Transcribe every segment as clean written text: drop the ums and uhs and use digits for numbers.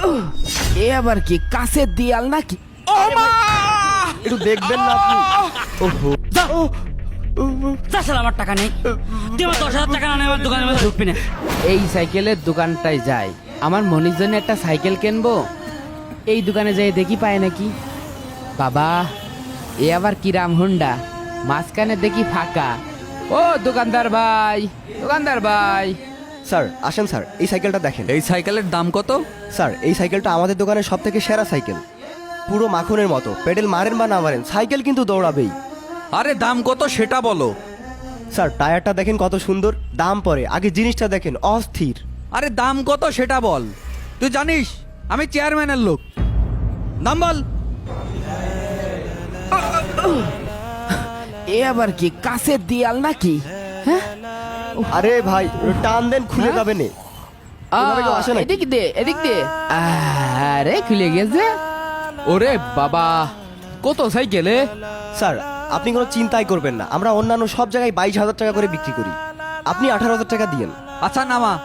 এ আবার কি কাছের দিয়াল নাকি? ও মা! একটু দেখবেন না আপনি? ওহো, তাছাড়া আমার টাকা নেই, তুই আমার 10,000 টাকা না নিয়ে আমার দোকানের মধ্যে ঢুকবি না। এই সাইকেলের দোকানটায় যাই, আমার মনির জন্য একটা সাইকেল কিনবো। এই দোকানে যাই দেখি পায় নাকি। বাবা, এ আবার কিরাম হুন্ডা, মাঝখানে দেখি ফাঁকা। ও দোকানদার ভাই, দোকানদার ভাই। স্যার আসেন স্যার, এই সাইকেলটা দেখেন। এই সাইকেলের দাম কত? স্যার এই সাইকেলটা আমাদের দোকানের সব থেকে সেরা সাইকেল, পুরো মাখনের মতো। পেডেল মারেন বা না মারেন, সাইকেল কিন্তু দৌড়াবেই। আরে দাম কত সেটা বলো। স্যার টায়ারটা দেখেন কত সুন্দর, দাম পরে, আগে জিনিসটা দেখেন অস্থির। আরে দাম কত সেটা বল। তুই জানিস আমি চেয়ারম্যানের লোক, দাম বল। এ আবার কি কাছের দিয়াল নাকি? হ্যাঁ, আরে ভাই টান দেন, খুলে হ্যাঁ? যাবে না। এভাবে কেউ আসে নাকি? এদিক দে, এদিক দে। আরে খুলে গেছে। ওরে বাবা, কত সাইকেলে? স্যার আপনি কোনো চিন্তাই করবেন না, আমরা অন্যান্য সব জায়গায় 22,000 টাকা করে বিক্রি করি, আপনি 18,000 টাকা দিয়েন। আচ্ছা নামা।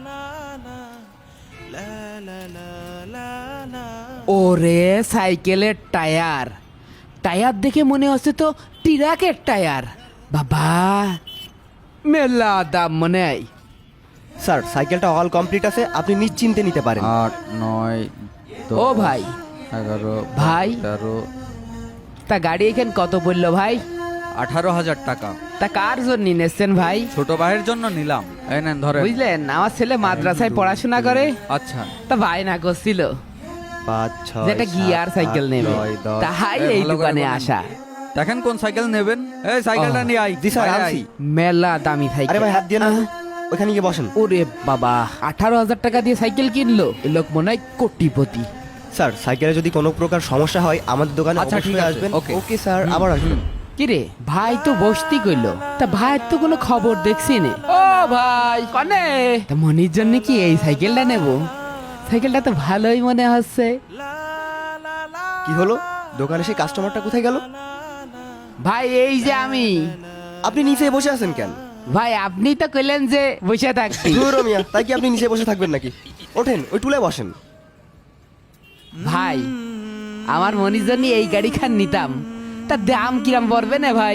ওরে সাইকেলের টায়ার, টায়ার দেখে মনে হচ্ছে তো ট্রাকের টায়ার। বাবা, মেলা দাম মনে হয়। স্যার সাইকেলটা অল কমপ্লিট আছে, আপনি নিশ্চিন্তে নিতে পারেন। 8, 9, ও ভাই, 11, ভাই। 13, তা গাড়ি এখানে কত পড়লো ভাই? 18,000 টাকা। তা কার জন্য নিয়েছেন ভাই? ছোট ভাইয়ের জন্য নিলাম, এই নেন ধরে। বুঝলেন, আমার ছেলে মাদ্রাসায় পড়াশোনা করে, আচ্ছা তা ভাই না করছিল 5, 6, যেটা গিয়ার সাইকেল নেবে, 9, 10। তাই এই এই ভালো করে দোকানে বলেন। আসা। দেখেন কোন সাইকেল নেবেন। এই সাইকেলটা ও, নিয়ে আই। জি স্যার আয়, আনছি। আয়। মেলা দামি সাইকেল। আরে ভাই হাত দিয়ে না, ওখানে গিয়ে বসেন। ওরে বাবা, 18,000 টাকা দিয়ে সাইকেল কিনলো, এ লোক মনে হয় কোটিপতি। স্যার সাইকেলে যদি কোনো প্রকার সমস্যা হয় আমাদের দোকানে আচ্ছা, ঠিক অবশ্যই আছে, আসবেন। ওকে। ওকে স্যার, আবার আসবেন। কিরে ভাই তো বসতি কইলো, তা ভাইয়ের তো কোনো খবর দেখছি নে। ও ভাই কনে, তা মনির জন্য কি এই সাইকেলটা নেব? সাইকেলটা তো ভালোই মনে হচ্ছে। কি হলো, দোকানে সেই কাস্টমারটা কোথায় গেল? ভাই এই যে আমি। আপনি নিচে বসে আছেন কেন? ভাই আপনি তো কইলেন যে বসে থাকছি। ধুর মিয়া, তাই কি আপনি নিচে বসে থাকবেন নাকি? ওঠেন, ওই টুলে বসেন। ভাই আমার মনির জন্য এই গাড়ি খান নিতাম, তা দাম কিরাম পড়বে না ভাই?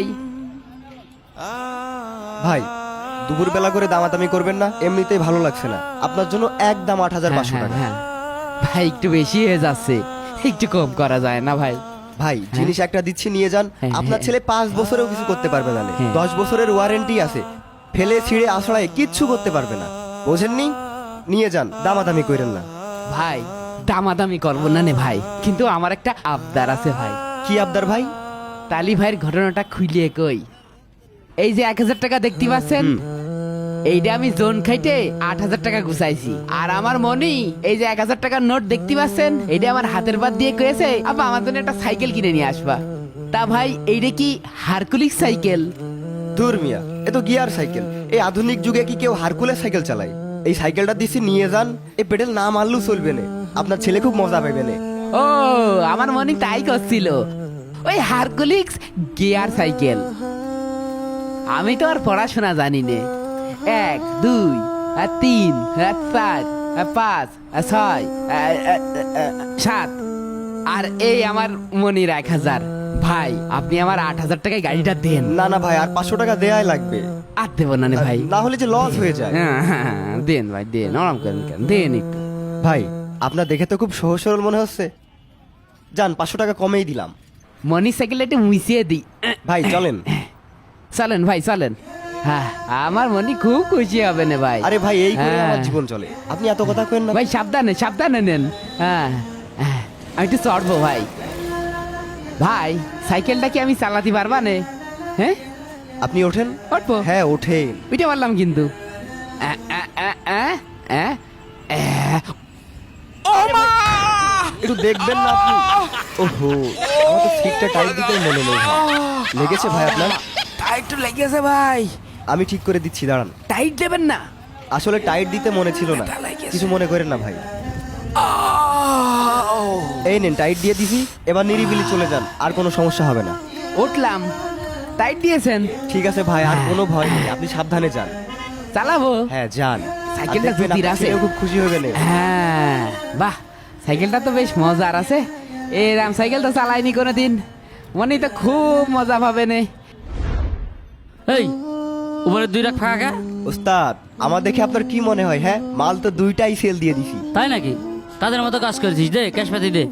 ভাই দুপুর বেলা করে দামাদামি করবেন না, এমনিতেই ভালো লাগছে না। আপনার জন্য একদম 8,500 টাকা। হ্যাঁ, ভাই একটু বেশি হয়ে যাচ্ছে, একটু কম করা যায় না ভাই? ভাই জিনিস একটা দিচ্ছি, নিয়ে যান। হ্যাঁ, আপনার হ্যাঁ। ছেলে 5 বছরেও কিছু করতে পারবে না, হ্যাঁ। 10 বছরের ওয়ারেন্টি আছে, ফেলে ছিঁড়ে আছড়ায় কিচ্ছু করতে পারবে না। বোঝেননি? নিয়ে যান, দামাদামি করেন না। ভাই দামাদামি করবো না নে ভাই, কিন্তু আমার একটা আবদার আছে ভাই। কি আবদার ভাই? তালি ভাইয়ের ঘটনাটা খুলিয়ে কই। এই যে 1,000 টাকা দেখতে পাচ্ছেন, এইটা আমি জোন খাইতে 8,000 টাকা গুছাইছি। আর আমার মনি এই যে 1,000 টাকার নোট দেখতে পাচ্ছেন, এইটা আমার হাতের বাদ দিয়ে কয়েছে আপা আমার জন্য একটা সাইকেল কিনে নিয়ে আসবা। তা ভাই এইটা কি হারকুলিস সাইকেল? দূর মিয়া, এ তো গিয়ার সাইকেল। এই আধুনিক যুগে কি কেউ হারকুলেস সাইকেল চালায়? এই সাইকেলটা দিচ্ছি, নিয়ে যান। এই পেডেল না মারলেও চলবে না, আপনার ছেলে খুব মজা পাবে না। ও আমার মনি তাই করছিল, ওই হারকুলিস গিয়ার সাইকেল। আমি তো আর পড়াশোনা জানি নে। 1, 2, 3, 4, 5, 6, 7 আর এই আমার মনির 1,000। ভাই আপনি আমার 8,000 টাকায় গাড়িটা দেন। না না ভাই, আর 500 টাকা দেয়াই লাগবে, আর দেবো না নে ভাই। না হলে যে লস হয়ে যায়। হ্যাঁ, দেন ভাই দেন, আরাম করেন কেন, দেন একটু। ভাই আপনার দেখে তো খুব সহজ সরল মনে হচ্ছে, যান 500 টাকা কমেই দিলাম। মনির সাইকেলটা একটু মুছিয়ে দিই। ভাই চলেন। চলেন ভাই চলেন। হ্যাঁ, আমার মনি খুব খুশি হবে না ভাই। আরে ভাই এই করে হ্যাঁ। আমার জীবন চলে, আপনি এত কথা কেন না। ভাই সাবধানে সাবধানে নেন। হ্যাঁ, আমি একটু চড়বো ভাই। ভাই সাইকেলটা কি আমি চালাতে পারবা নে? হ্যাঁ আপনি ওঠেন। উঠবো? হ্যাঁ ওঠেন। উঠে পারলাম কিন্তু। ও মা! একটু দেখবেন না আপনি? ওহো, আমার তো সিটটা টাইট দিতে মনে নেই ভাই। লেগেছে ভাই আপনার? টাইট তো লেগেছে ভাই। আমি ঠিক করে দিচ্ছি, দাঁড়ান। টাইট দেবেন না? আসলে টাইট দিতে মনে ছিল না, কিছু মনে করেন না ভাই। এই নেন, টাইট দিয়ে দিছি, এবার নিরিবিলি চলে যান, আর কোনো সমস্যা হবে না। উঠলাম, টাইট দিয়েছেন? ঠিক আছে ভাই, আর কোনো ভয় নেই, আপনি সাবধানে যান। চালাবো? হ্যাঁ যান। সাইকেলটা আর দেখবেন জুতির আপনার আছে। ছেলেও খুব খুশি হবে না। হ্যাঁ, বাহ, সাইকেলটা তো বেশ মজার আছে। এরাম সাইকেল তো চালাইনি কোনোদিন, মনে তো খুব মজা পাবে নে। এই উপরে 2 লাখ ফাঁকা কা? ওস্তাদ আমার দেখে আপনার কি মনে হয়? হ্যাঁ, মাল তো 2টাই সেল দিয়ে দিছি। তাই নাকি? তাদের মতো কাজ করেছিস, দে ক্যাশ পাতি দে,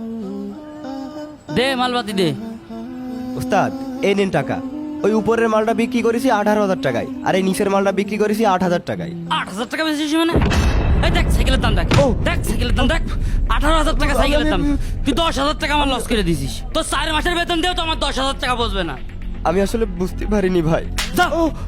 দে মালপাতি দে। ওস্তাদ এই নিন টাকা। ওই উপরের মালটা বিক্রি করেছি 18,000 টাকায়, আর এই নিচের মালটা বিক্রি করেছি 8,000 টাকায়। 8,000 টাকা বেশি মানে? এই দেখ সাইকেলের দাম দেখ, দেখ সাইকেলের দাম দেখ, 18,000 টাকা সাইকেলের দাম। তুই 10,000 টাকা আমার লস করে দিছিস। তোর 4 মাসের বেতন দিয়েও তো আমার 10,000 টাকা বসবে না। আমি আসলে বুঝতে পারিনি ভাই। যা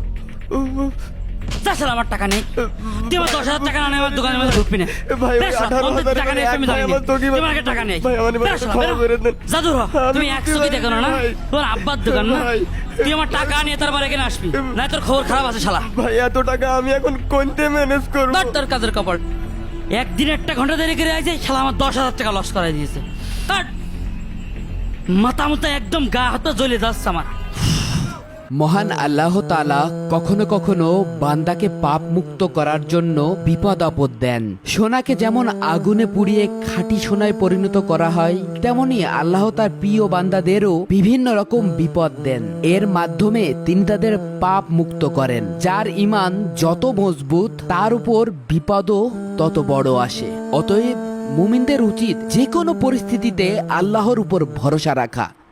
যা শালা, আমার টাকা নেই। তুই আমার 10,000 টাকা না নিয়ে আমার দোকানের মধ্যে ঢুকবি না। ভাই, ওই বেশ, 18,000 টাকা নেই, আমি ভাই, জানি আমার না। দোকানে- তুই আমাকে টাকা নেই। ভাই, আমার এবার বেশ, শালা, ক্ষমা বেরো। করে দেন। যা দূর হ। তুমি আমি 100 কি দেখো না? ভাই। তোর আব্বার দোকান না? ভাই। তুই আমার টাকা নিয়ে তারপর এখানে আসবি, না তোর খবর খারাপ আছে শালা। ভাই এত টাকা আমি এখন কোনতে ম্যানেজ করব? ধর তোর কাজের কপাল। একদিন একটা ঘন্টা দেরি করে আছে, শালা আমার 10,000 টাকা লস করাই দিয়েছে। ধর। মাথা মুথা একদম গা হাত পা জ্বলে যাচ্ছে আমার। মহান আল্লাহ তাআলা কখনো কখনো বান্দাকে পাপ মুক্ত করার জন্য বিপদ আপদ দেন। সোনাকে যেমন আগুনে পুড়িয়ে খাঁটি সোনায় পরিণত করা হয়, তেমনি আল্লাহ তার প্রিয় বান্দাদেরও বিভিন্ন রকম বিপদ দেন। এর মাধ্যমে তিনি তাদের পাপ মুক্ত করেন। যার ঈমান যত মজবুত তার উপর বিপদও তত বড় আসে। অতএব মুমিনদের উচিত যে কোনো পরিস্থিতিতে আল্লাহর উপর ভরসা রাখা।